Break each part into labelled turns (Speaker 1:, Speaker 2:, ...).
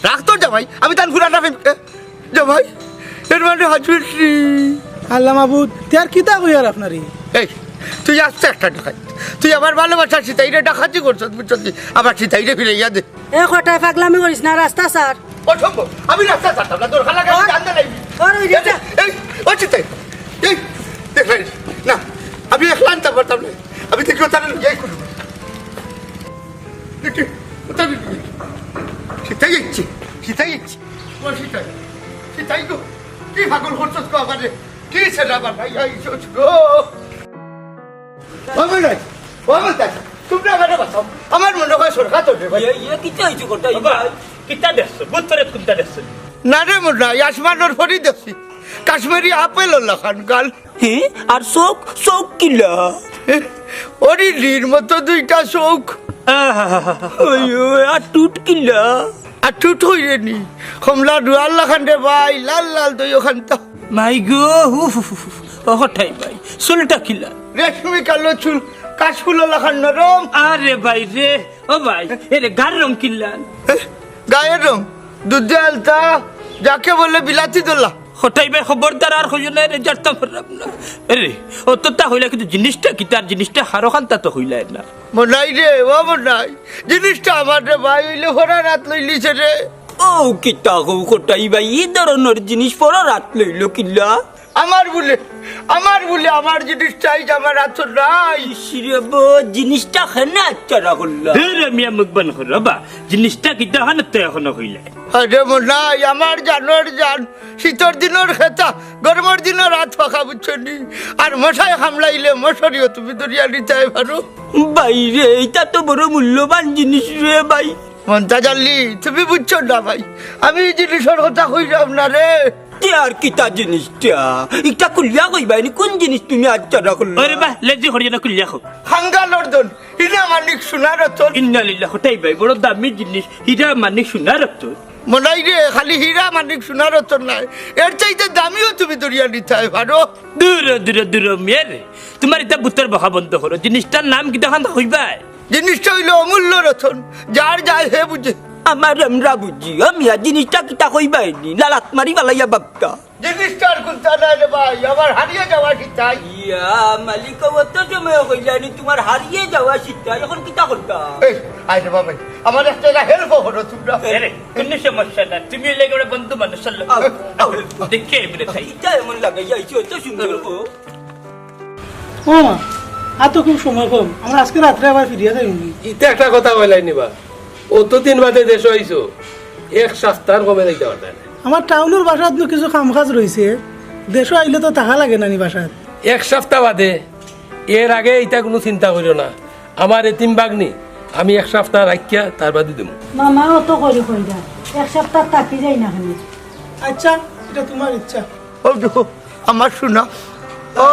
Speaker 1: রাখ তোর জামাই, আমি তার ঘুরাটা জামাই এর মানে হাজুরি।
Speaker 2: আল্লাহ মাহবুদ তার কিতা কই আর আপনারই
Speaker 1: এই তুই আসতে একটা ডাকাত, তুই আমার ভালোবাসা সীতাইরে ডাকাতি করছ, বুঝছি আবার সীতাইরে ফিরে ইয়া দে।
Speaker 3: এ কটায় পাগলামি করিস না, রাস্তা স্যার।
Speaker 1: অসম্ভব, আমি রাস্তা ছাড়তাম না, তোর খালা গাড়ি জানতে নাই। এই ও সীতাই, এই দেখ না আমি একলা আনতে পারতাম না, আমি দেখি ওখানে যাই করব। দেখি ওখানে সীতাই যাচ্ছি, সীতাই যাচ্ছি, ও সীতাই, সীতাই গো কি পাগল করছস গো আমারে, কি সেটা আমার ভাই আইছস গো। আমি নাই আমি তাই তোমরা আমারে বাঁচাও, আমার মনে হয় সরকার তো রে ভাই।
Speaker 4: ইয়ে কিতা হইছে কটা কিতা দেখছ বুতরে কিতা দেখছ
Speaker 1: না রে মোর আসমানোর ফরি দেখছি কাশ্মীরি আপেল লাখান গাল,
Speaker 4: হে আর শোক শোক কিলা
Speaker 1: ওরি লির মতো দুইটা চোখ,
Speaker 4: ওয়ো আর টুট কিলা
Speaker 1: আর টুট হইরে নি কমলা ডুয়াল লাখান রে ভাই, লাল লাল তুই ওখান তো
Speaker 4: মাই গো হঠাই ভাই চুলটা কিলা
Speaker 1: রেশমি কালো চুল, কাশফুল লাখান নরম,
Speaker 4: আরে ভাই রে ও ভাই এরে গার রং কিল্লান
Speaker 1: গায়ের রং দুধে আলতা, যাকে বলে বিলাতি দোলা।
Speaker 4: হঠাই ভাই খবরদার আর হইল না রে জারতা পারলাম না রে ও তো তা হইলা কিন্তু জিনিসটা কি তার জিনিসটা হারো খান্তা তো হইলাই না
Speaker 1: মনাই রে ও মনাই, জিনিসটা আমার রে ভাই হইলে ভরা রাত লইলিছে রে।
Speaker 4: ও কিতা গো কটাই ভাই এই ধরনের জিনিস পড়া রাত লইল কিল্লা
Speaker 1: আমার বলে আমার জিনিস চাই, আমার এত নাই।
Speaker 4: শিরব জিনিসটা খানে আচ্ছা রাখল রে মিয়া মুখবান হরবা জিনিসটা কিতা হানে তো এখনো হইলাই
Speaker 1: আরে মনাই আমার জানোর জান, শীতর দিনের খেতা গরমের দিনের রাত ফাঁকা বুঝছনি, আর মশাই হামলাইলে মশারিও তুমি দরিয়া নিতে পারো।
Speaker 4: ভাই রে এটা তো বড় মূল্যবান জিনিস রে ভাই
Speaker 1: মনটা জানলি তুমি বুঝছো না ভাই, আমি এই জিনিসের কথা কইলাম না রে।
Speaker 4: আর কিতা জিনিসটা এটা কুলিয়া কইবাইনি কোন জিনিস তুমি আচ্ছা রাখল আরে বাহ লেজি হরিয়া কুলিয়া খো
Speaker 1: হাঙ্গা লর্দন ইনা মানিক সোনার রতন,
Speaker 4: ইন্না লিল্লাহ তাই ভাই বড় দামি জিনিস হিরা মানিক সোনার রতন
Speaker 1: মনাই রে খালি হীরা মানিক সোনার রতন নাই, এর চাইতে দামিও তুমি দরিয়া নিতে পারো।
Speaker 4: দূর দূর দূর মেরে তোমার এটা বুতর বহা বন্ধ করো জিনিসটার নাম কি দেখান হইবাই
Speaker 1: জিনিসটা হইলো অমূল্য রতন, যার যায় হে বুঝে।
Speaker 4: আমার আমরা বুঝি আমি আর জিনিসটা কিতা কইবাইনি লালাত মারি বালাইয়া বাপটা
Speaker 1: জিনিসটার কোনটা নাই রে ভাই, আমার হারিয়ে যাওয়া ঠিকঠাক।
Speaker 4: ইয়া মালিক অত সময় হইলানি তোমার হারিয়ে যাওয়া শিক্ষা এখন কিতা করতা
Speaker 1: এই আইরে বাবা আমার একটা হেল্প করো তোমরা।
Speaker 4: আরে কোনো সমস্যা না তুমি লেগে ওরে বন্ধু মানুষ চলো দেখে এমনি তাই এটা এমন লাগাই যাইছো এত সুন্দর ও
Speaker 2: ও মা আর তো খুব সময় কম, আমরা আজকে রাত্রে আবার ফিরিয়া যাই।
Speaker 5: ইতে একটা কথা বলাই নিবা অতদিন বাদে দেশ হইছো, এক সপ্তাহ কমে যাইতে পারতেন।
Speaker 2: আমার টাউনের বাসাত কিছু কাম কাজ রয়েছে, দেশও আইলে তো টাকা লাগে নানি বাসাত।
Speaker 5: এক সপ্তাহ বাদে, এর আগে এটা কোনো চিন্তা করিও না, আমার এতিম বাগনি আমি এক সপ্তাহ রাখিয়া তার বাদে দেবো।
Speaker 3: মামা অত করে কইরা এক সপ্তাহ থাকি যাই না খালি।
Speaker 2: আচ্ছা এটা তোমার ইচ্ছা।
Speaker 1: ও দেখো আমার শোনা, ও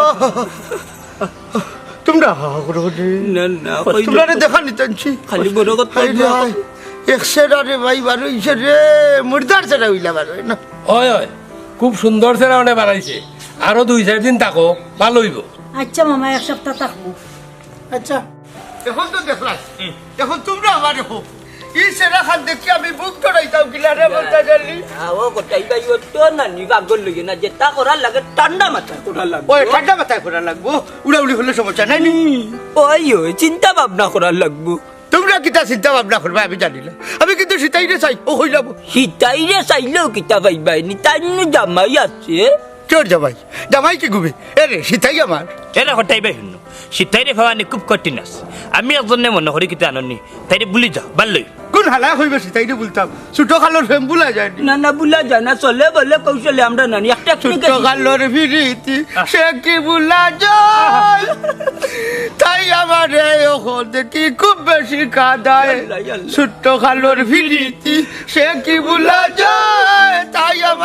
Speaker 1: তোমরা
Speaker 4: না না
Speaker 1: তোমরা দেখা নিতেছি
Speaker 4: খালি বড় কথা
Speaker 1: একশের আরে ভাই বারো ইসে রে মুর্দার সেটা হইলা বারো না।
Speaker 5: হয় হয় খুব সুন্দর সেরা অনেক বানাইছে, আরো 2-4 দিন থাকো ভালো হইব।
Speaker 3: আচ্ছা মামা এক সপ্তাহ থাকবো।
Speaker 2: আচ্ছা
Speaker 1: এখন তো দেখলাম, এখন তোমরা আমার দেখো ই সেরা খান দেখি আমি বুক করাইতাম কিলা রে বলতে গেলি।
Speaker 4: ও কোটাই ভাই ও তো না নি গাগল লগে না যেটা করার লাগে ঠান্ডা মাথা করার লাগে
Speaker 1: ওই ঠান্ডা মাথায় করা লাগবো, উড়াউড়ি হলে সমস্যা নাই নি।
Speaker 4: ওই চিন্তা ভাবনা করার লাগবো
Speaker 1: তোমরা কিতা চিন্তা ভাবনা করবে আমি জানি না, আমি কিন্তু সীতাইরে চাই ও হই যাবো।
Speaker 4: সীতাইরে চাইলেও কিতা পাইবাইনি তাই জামাই আছে
Speaker 1: চোর জামাই, জামাই কি গুবে এরে সীতাই আমার।
Speaker 4: এরা হটাই ভাই শুনো সীতাইরে ভাবানি খুব কঠিন আছে, আমি একজনে মনে করি কিতা আননি তাইরে বুলি যাও ভালোই।
Speaker 1: কোন হালা হইবে সীতাইরে বলতাম, ছোট খালোর ফেম বুলা যায়
Speaker 4: না না বুলা যায় না চলে বলে কৌশলে আমরা নানি একটা
Speaker 1: ছোট খালোর ফিরিতি সে কি বুলা যায়, তাই আমার এখন দেখি খুব বেশি কাদায়। ছোট খালোর ফিরিতি সে কি বুলা যায়, তাই আমার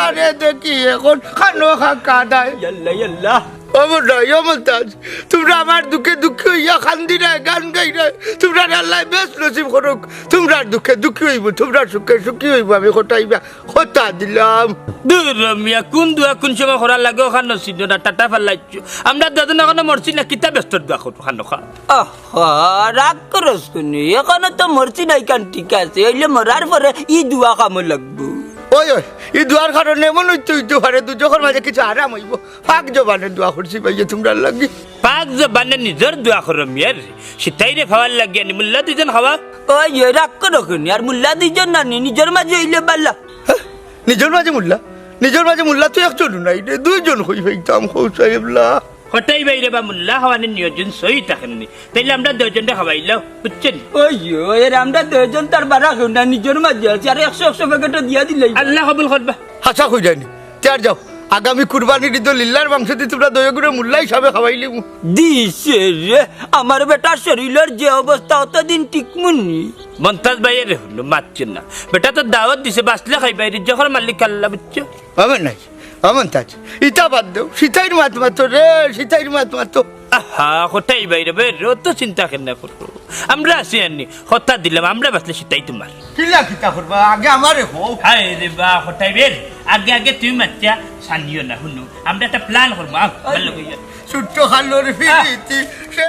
Speaker 1: তোমারে দেখি এখন খানো খা কাদায়
Speaker 4: ইয়াল্লা ইয়াল্লা
Speaker 1: অমর নয় অমরতাজ তোমরা আমার দুঃখে দুঃখে হইয়া খান্দি নাই গান গাই নাই তোমরা আল্লাহ বেশ নসিব করুক তোমরা দুঃখে দুঃখী হইব তোমরা সুখে সুখী হইব আমি হটাইবা হতা দিলাম
Speaker 4: দূর মিয়া কোন দুয়া কোন সময় করার লাগে ওখান নসিন না টাটা ফালাইছো আমরা দাদন এখন মরছি না কিতা ব্যস্ত দোয়া করবো খানো খা রাগ করস কোনি এখনো তো মরছি নাই কান ঠিক আছে হইলে মরার পরে ই দুয়া কামো লাগবো
Speaker 1: ওই ওই এই দুয়ার কারণে এমন হইতে পারে দুজনের মাঝে কিছু আরাম হইব ফাঁক জবানের দোয়া করছি ভাইয়া তোমরা লাগি
Speaker 4: পাক জবানে নিজের দোয়া করো মিয়ার সিতাইরে খাওয়ার লাগে নি মুল্লা দুজন খাওয়া ওই রাগ করো কোনি আর মুল্লা দুজন না নিজের মাঝে হইলে বাল্লা
Speaker 1: নিজের মাঝে মুল্লা তুই একজন নাই রে দুইজন হই হইতাম হৌ সাহেবলা
Speaker 4: হটাই বাইরে বা মুল্লা খাওয়ানোর নিয়োজন সই থাকেননি তাইলে আমরা দুজনটা খাওয়াইলাম বুঝছেন ওই এর আমরা দুজন তার বারা খাও না নিজের মাঝে আছে আর 100 প্যাকেটও দিয়া দিলে আল্লাহ কবুল করবা
Speaker 1: হাসা হয়ে যায়নি তার যাও আগামী কুরবানির ঈদ লিল্লার মাংস দিয়ে তোমরা দয়া করে মুল্লা হিসাবে খাওয়াইলি
Speaker 4: দিছে রে আমার বেটার শরীরের যে অবস্থা অতদিন টিকমুনি মন্তাজ ভাইয়ের হলো মারছেন না বেটা তো দাওয়াত দিছে বাসলে খাই বাইরে যখন মালিক আল্লাহ বুঝছো
Speaker 1: আমার নাই আমার তাজ ইটা বাদ দেও সীতাইর মাত মাতো রে সীতাইর মাত মাতো
Speaker 4: আহা হটাই বাইরে বেরো তো চিন্তা কেন করবো আমরা আছি আনি হত্যা দিলাম আমরা বাসলে সেটাই তোমার
Speaker 1: কিলা কিতা করবা আগে আমারে হো
Speaker 4: হায় রে বা হটাই বের আগে আগে তুমি বাচ্চা সানিও না শুনো আমরা একটা প্ল্যান করবো ভালো কইয়া
Speaker 1: ছোট্ট খালোর ফিরিতি সে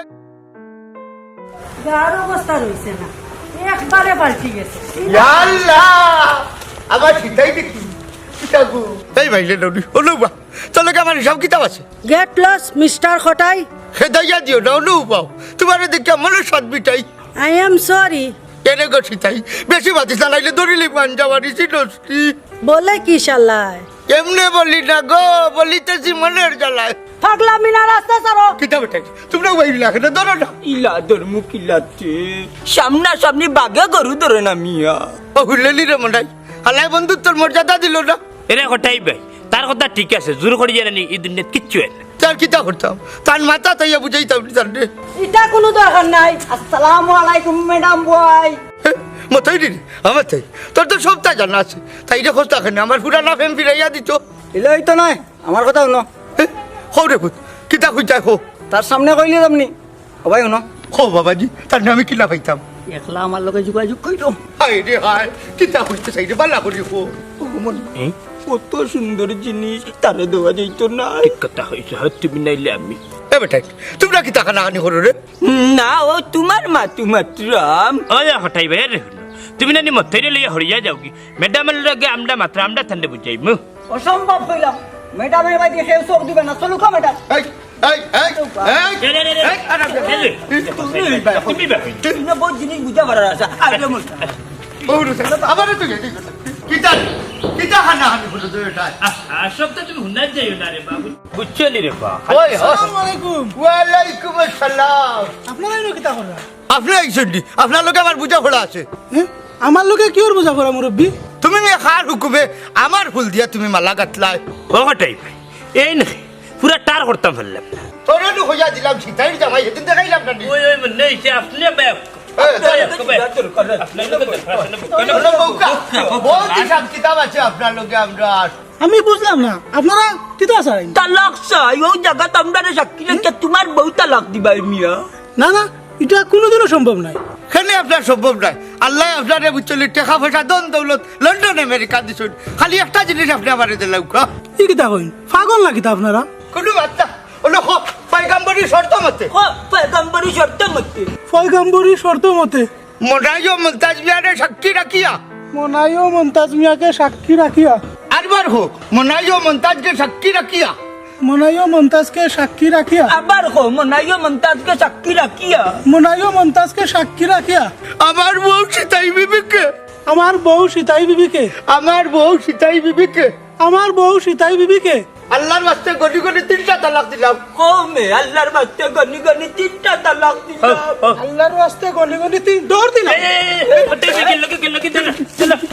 Speaker 3: গার অবস্থা রয়েছে না একবারে পাল্টি গেছে
Speaker 1: আল্লাহ আবার সীতাই দেখি সীতাগু এই ভাইলে ননি অনুবা চলো কি আমার হিসাব কিতাব আছে
Speaker 3: গেট লস মিস্টার খটাই
Speaker 1: খেদাইয়া দিও না অনুবাও তোমার দেখি আমার সাত বিটাই
Speaker 3: আই এম সরি
Speaker 1: কেনে গো সীতাই বেশি বাতিস না নাইলে দরিলি পাঞ্জাবারি সিনস্তি
Speaker 3: বলে কি শালায়
Speaker 1: এমনি বলি না গো বলিতেছি মনের জ্বালায়
Speaker 3: পাগলামি না রাস্তা ছাড়ো
Speaker 1: কিতাব এটাই তোমরা ওই লাগে না ধরো না
Speaker 4: ইলা ধর্ম কিলাতে সামনা সামনি বাগে গরু ধরে না মিয়া
Speaker 1: ও হুললি রে মন্ডাই হালাই বন্ধুত্বর মর্যাদা দিল না
Speaker 4: এরে হটাই ভাই তার কথা ঠিক আছে জোর করে জানি এই দুনিয়াত কিচ্ছু হয় না
Speaker 1: তার কিতা করতাম তার মাথা তাইয়া বুঝাইতাম তার রে
Speaker 3: এটা কোনো দরকার নাই আসসালামু আলাইকুম ম্যাডাম বয়
Speaker 1: মতাই রে আমার তাই তোর তো সবটা জানা আছে তাই রে খোঁজ থাকে না আমার পুরানা ফেম ফিরাইয়া দিত
Speaker 6: এলাই তো নয় আমার কথা শুনো
Speaker 1: হো রে খুদ কিতা খুঁজা হো
Speaker 6: তার সামনে কইলে আপনি সবাই শুনো
Speaker 1: হো বাবাজি তার নামে কিলা পাইতাম
Speaker 6: একলা আমার লগে যোগাযোগ কইরো
Speaker 1: হায় রে হায় কিতা খুঁজতে চাই রে বালা করি হো
Speaker 4: কত সুন্দর জিনিস তারে দেওয়া যাইতো না ঠিক কথা হয়েছে তুমি নাইলে আমি
Speaker 1: এ বেটাই তোমরা কি টাকা নাহানি করো রে
Speaker 4: না ও তোমার মা তোমার রাম ওই হটাই ভাই রে তুমি নানি মথাইরে লইয়া হরিয়া যাও কি ম্যাডামের লগে আমরা মাত্র আমরা ঠান্ডা বুঝাইমু
Speaker 6: অসম্ভব কইলাম ম্যাডামের বাড়ি সেও চোখ দিবে না চলুক ম্যাডাম
Speaker 1: এই এই এই
Speaker 4: তুমি বহুত জিনিস বুঝা পারার আছে আইলে মত
Speaker 1: আবার তো গেছি কিতা কিতা হানাহানি করো তো এটা
Speaker 4: সবটা তুমি হুনার যাইও না রে বাবু বুঝছো নি রে বা
Speaker 1: ওই
Speaker 2: আসসালামু আলাইকুম
Speaker 1: ওয়ালাইকুম আসসালাম
Speaker 2: আপনারা এনো কিতা করা
Speaker 1: আপনি আইছেন নি আপনার লোকে আমার বুঝা পড়া আছে
Speaker 2: আমার লোকে কি ওর বোঝা করা মুরব্বী
Speaker 1: তুমি মেয়ে খার হুকুমে আমার ফুল দিয়া তুমি মালা গাতলাই
Speaker 4: ও হটাই ভাই এই না পুরা টার করতাম ফেললাম
Speaker 1: তোরে তো হইয়া দিলাম সীতাইর জামাই সেদিন দেখাইলাম না
Speaker 4: ওই ওই মনে হইছে আপনি ব্যাক
Speaker 1: বহুত হিসাব কিতাব আছে আপনার লোকে আমরা
Speaker 2: আমি বুঝলাম না আপনারা কিতা চাই
Speaker 4: তালাক চাই ও জায়গা তোমরা সাক্ষী রেখে তোমার বউ তালাক দিবা মিয়া
Speaker 2: না না এটা কোনোদিনও সম্ভব নয়
Speaker 1: এখানে আপনার সম্ভব নয় আল্লাহ আপনার বুঝলি টাকা পয়সা দন দৌলত লন্ডন আমেরিকা দিচ্ছেন খালি একটা জিনিস আপনি আমার দিলাম
Speaker 2: ই কিতা কইন পাগল না কিতা আপনারা
Speaker 1: কোনো বার্তা ওলো পয়গাম্বরী শর্ত মতে
Speaker 4: পয়গম্বরী শর্ত মতে
Speaker 2: পয়গম্বরী শর্ত মতে
Speaker 1: মোনাইও মুমতাজ বিয়ারে সাক্ষী রাখিয়া
Speaker 2: মনাইও মন্তাজ মিয়াকে সাক্ষী রাখিয়া
Speaker 1: আরবার হোক মোনাইও মুমতাজকে সাক্ষী রাখিয়া
Speaker 2: মনাইও মন্তাজকে সাক্ষী রাখিয়া
Speaker 4: আবার হো মনাইও মন্তাজকে সাক্ষী রাখিয়া
Speaker 2: মনাইও মন্তাজকে সাক্ষী রাখিয়া
Speaker 1: আমার বউ সীতাই বিবিকে
Speaker 2: আমার বউ সীতাই বিবিকে
Speaker 1: আমার বউ সীতাই বিবিকে
Speaker 2: আমার বউ সীতাই বিবিকে
Speaker 1: আল্লাহর বাস্তে গনি গনি 3টা তালাক দিলাম
Speaker 4: কমে আল্লাহর বাস্তে গনি গনি 3টা তালাক দিলাম
Speaker 2: আল্লাহর রাস্তে গলি গলি তিন দৌড় দিলাম
Speaker 4: হটাই ভাই গেল কি চলো